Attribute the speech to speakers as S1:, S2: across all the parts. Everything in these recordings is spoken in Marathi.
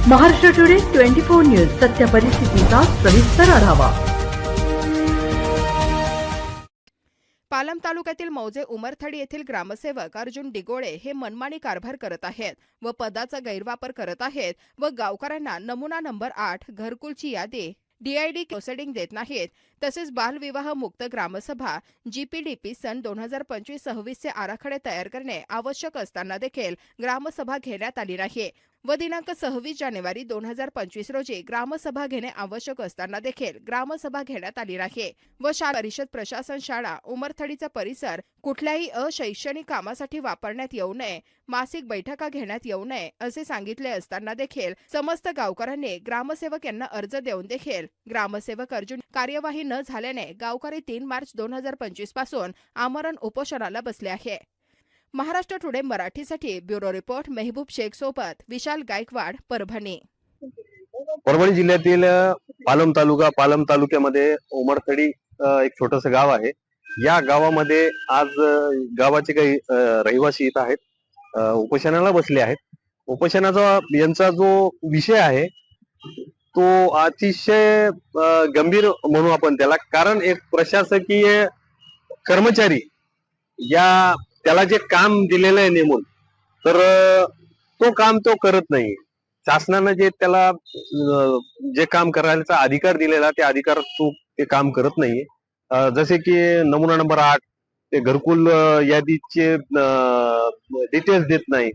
S1: महाराष्ट्र टुडे 24 न्यूज सत्य परिस्थितीचा सविस्तर आढावा।
S2: पालम तालुक्यातील मौजे उमरथडी येथील ग्रामसेवक अर्जुन डिगोळे हे मनमानी कारभार करत आहेत व पदाचा गैरवापर करत आहेत व गावकऱ्यांना नमुना नंबर 8 घरकुलची यादी DID प्रोसेडिंग देत नाहीत। तसेच बालविवाह मुक्त ग्रामसभा GPDP सन 2025-26 चे आराखडे तयार करणे आवश्यक असताना देखील ग्रामसभा घेण्यात आली नाही व दिनांक 26 जानेवारी 2025 रोजी ग्रामसभा घेणे आवश्यक असताना देखील ग्रामसभा घेण्यात आली नाही व शाळा परिषद प्रशासन शाळा उमरथडीचा परिसर कुठल्याही अशैक्षणिक कामासाठी वापरण्यात येऊ नये, मासिक बैठका घेण्यात येऊ नये असे सांगितले असताना देखील समस्त गावकऱ्यांनी ग्रामसेवक यांना अर्ज देऊन देखील ग्रामसेवक अर्जुन कार्यवाही न झाल्याने गावकरी 3 मार्च 2025 पासून आमरण उपोषणाला बसले आहे। महाराष्ट्र टुडे मराठीसाठी ब्युरो रिपोर्ट मेहबूब शेख सोबत विशाल गायकवाड, परभणी।
S3: परभणी जिल्ह्यातील पालम तालुक्यामध्ये उमरथडी एक छोटंसं गाव आहे। या गावामध्ये आज गावाचे काही रहिवासी इथं आहेत, उपोषणाला बसले आहेत। उपोषणाचा यांचा जो विषय आहे तो अतिशय गंभीर म्हणू आपण त्याला, कारण एक प्रशासकीय कर्मचारी त्याला जे काम दिलेलं आहे नेमून, तर तो काम तो करत नाही। शासनाने जे त्याला जे काम करायचा अधिकार दिलेला ते अधिकार तो ते काम करत नाही। जसे की नमुना नंबर 8 ते घरकुल यादीचे डिटेल्स देत नाही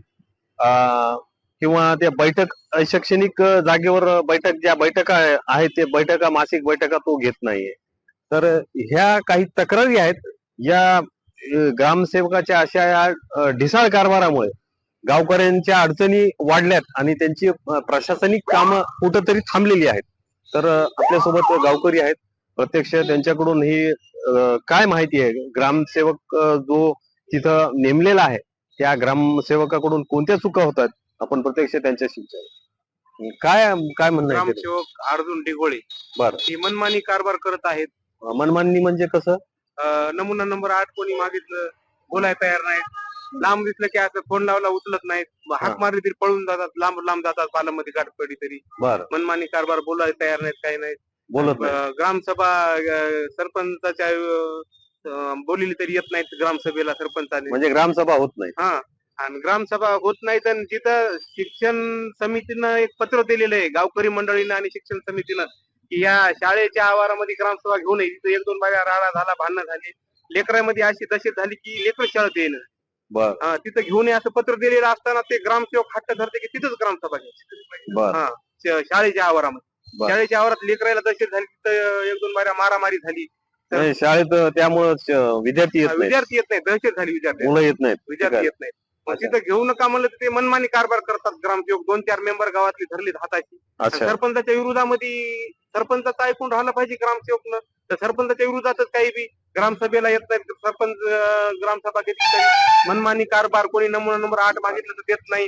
S3: किंवा त्या बैठक शैक्षणिक जागेवर ज्या बैठका आहेत ते बैठका मासिक बैठका तो घेत नाहीये। तर ह्या काही तक्रारी आहेत। या ग्रामसेवकाच्या अशा ढिसाळ कारभारामुळे गावकऱ्यांच्या अडचणी वाढल्यात आणि त्यांची प्रशासनिक कामं कुठंतरी थांबलेली आहेत। तर आपल्यासोबत गावकरी आहेत, प्रत्यक्ष त्यांच्याकडून ही काय माहिती आहे, ग्रामसेवक जो तिथं नेमलेला आहे त्या ग्रामसेवकाकडून कोणत्या चुका होतात, आपण प्रत्यक्ष त्यांच्याशी विचारू। काय म्हणणं आहे?
S4: ग्रामसेवक अर्जुन डिगोळे
S3: बरं,
S4: ही मनमानी कारभार करत आहेत।
S3: मनमानी म्हणजे कसं?
S4: नमुना नंबर 8 कोणी मागितलं बोलायला तयार नाहीत, लांब दिसलं की असं फोन लावला उचलत नाहीत, हाक मारली तरी पळून जातात, लांब जातात, पालममध्ये गाठ पडली तरी।
S3: बरं,
S4: मनमानी कारभार, बोलायला तयार नाहीत, काही नाहीत,
S3: बोलत नाही।
S4: ग्रामसभा सरपंचाच्या बोलली तरी येत नाहीत ग्रामसभेला सरपंचाने,
S3: म्हणजे ग्रामसभा होत नाही।
S4: हा, आणि ग्रामसभा होत नाही। तर जिथं शिक्षण समितीनं एक पत्र दिलेलं आहे गावकरी मंडळीनं आणि शिक्षण समितीनं की या शाळेच्या आवारामध्ये ग्रामसभा घेऊ नये। तिथं 1-2 बाया राडा झाला, भांडणं झाली, लेकरांमध्ये अशी दशेत झाली की लेकर शाळेत येणं,
S3: बरं,
S4: तिथं घेऊ नये असं पत्र दिलेलं असताना ते ग्रामसेवक हट्ट धरते की तिथंच ग्रामसभा घ्यायची।
S3: बरं,
S4: शाळेच्या आवारामध्ये, शाळेच्या आवारात लेकरायला दशेत झाली, तिथं 1-2 बाया मारामारी झाली।
S3: शाळेत त्यामुळे विद्यार्थी येत
S4: नाही, दहशत झाली,
S3: मुलं येत नाहीत,
S4: विद्यार्थी येत नाहीत। तिथं घेऊ नका म्हणलं तर ते मनमानी कारभार करतात ग्रामसेवक। 2-4 मेंबर गावातली धरली हाताची। सरपंचाच्या विरोधामध्ये सरपंचाचं ऐकून राहिलं पाहिजे ग्रामसेवकनं, तर सरपंचाच्या विरोधातच काही बी ग्रामसभेला येत नाही। सरपंच ग्रामसभा घेतली तरी मनमानी कारभार, कोणी नमुना नंबर 8 मागितलं तर देत नाही,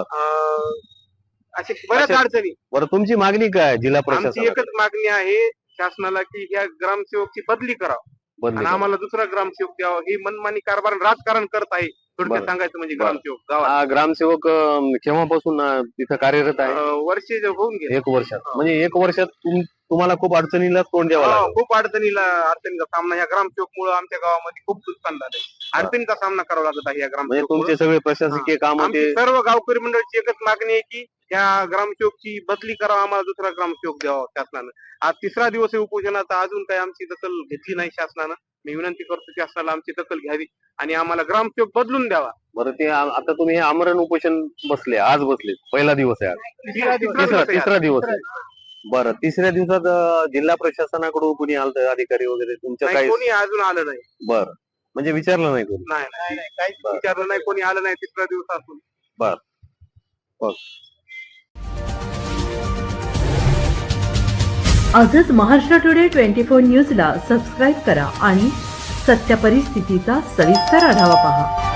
S4: अशी बऱ्याच अडचणी।
S3: बरं, तुमची मागणी काय जिल्हा प्रशासन?
S4: आमची एकच मागणी आहे शासनाला की ह्या ग्रामसेवकची बदली करावं आणि आम्हाला दुसरा ग्रामसेवक द्यावा। ही मनमानी कारभार राजकारण करत आहे, थोडक्यात सांगायचं म्हणजे। ग्रामसेवक गावात
S3: ग्रामसेवक केव्हापासून तिथं कार्यरत आहे?
S4: वर्ष होऊन गेले।
S3: 1 वर्षात, म्हणजे 1 वर्षात तुम्हाला खूप अडचणीला तोंड द्यावं लागलं?
S4: खूप अडचणीचा सामना ह्या ग्रामसेवकमुळे आमच्या गावामध्ये खूप नुकसान झालंय, अडचणीचा सामना करावा लागत आहे या ग्रामसेवक।
S3: तुमचे सगळे प्रशासकीय काम,
S4: सर्व गावकरी मंडळाची एकच मागणी आहे की या ग्रामसेवकची बदली करावा, आम्हाला दुसरा ग्रामसेवक द्यावा शासनानं। आज 3रा दिवस आहे उपोषणाचा, अजून काही आमची दखल घेतली नाही शासनानं। मी विनंती करतो शासनाला आमची दखल घ्यावी आणि आम्हाला ग्रामसेवक बदलून द्यावा।
S3: बरं, ते आता तुम्ही आमरण उपोषण बसले, आज बसले, पहिला दिवस आहे आज, तिसरा दिवस आहे। बरं, 3ऱ्या दिवसात जिल्हा प्रशासनाकडून कोणी आलं, अधिकारी वगैरे तुमच्या काही?
S4: कोणी अजून आलं नाही।
S3: बरं, म्हणजे विचारलं नाही कोणी?
S4: नाही, काहीच विचारलं नाही, कोणी आलं नाही 3ऱ्या दिवसापासून।
S3: बरं,
S1: आजच महाराष्ट्र टुडे 24 न्यूजला सबस्क्राईब करा आणि सत्य परिस्थितीचा सविस्तर आढावा पहा।